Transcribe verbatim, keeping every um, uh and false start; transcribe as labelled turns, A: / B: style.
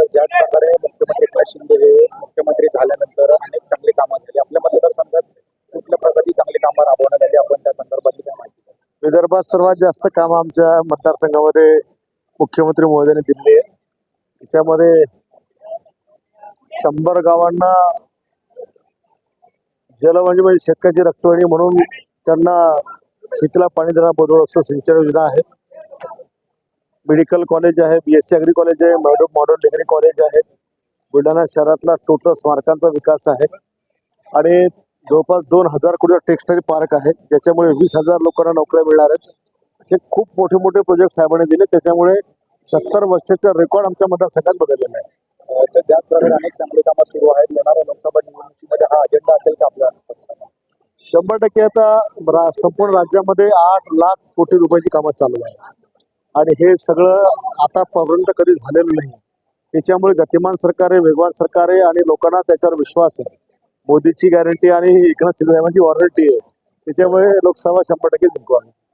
A: ज्याच प्रकारे मुख्यमंत्री एकनाथ शिंदे हे मुख्यमंत्री झाल्यानंतर अनेक चांगली कामं झाली आपल्या मतदारसंघात, कुठल्या प्रकारची चांगली कामं राबवण्यात आली आपण त्या संदर्भातली काय माहिती द्या.
B: विदर्भात सर्वात जास्त काम आमच्या मतदारसंघामध्ये मुख्यमंत्री महोदयाने दिले आहे. त्याच्यामध्ये शंभर गावांना जल म्हणजे म्हणजे शेतकऱ्याची रक्तवाहिनी म्हणून त्यांना शेतीला पाणी देणार बोधवळचं सिंचन योजना आहे. मेडिकल कॉलेज आहे, बीएससी अग्री कॉलेज आहे, मॉडर्न डिग्री कॉलेज आहे. बुलढाणा शहरातला टोटल स्मारकांचा विकास आहे आणि जवळपास दोन हजार कोटी टेक्सटाईल पार्क आहे, ज्याच्यामुळे वीस हजार लोकांना नोकऱ्या मिळणार आहेत. असे खूप मोठे मोठे प्रोजेक्ट साहेबांनी दिले. त्याच्यामुळे सत्तर वर्षाचा रेकॉर्ड आमच्या मतदारसंघात बदललेला आहे.
A: सध्याच प्रकारे अनेक चांगली कामं सुरू आहेत. येणाऱ्या लोकसभा निवडणुकीमध्ये हा अजेंडा असेल का आपल्या पक्षाचा?
B: शंभर टक्के आता रा- संपूर्ण राज्यामध्ये आठ लाख कोटी रुपयाची कामं चालू आहे आणि हे सगळं आतापर्यंत कधी झालेलं नाही. त्याच्यामुळे गतिमान सरकार आहे, वेगवान सरकार आहे आणि लोकांना त्याच्यावर विश्वास आहे. मोदीची गॅरंटी आणि एकनाथ शिंदे साहेबांची वॉरंटी आहे. त्याच्यामुळे लोकसभा शंभर टक्के जिंकू आम्ही.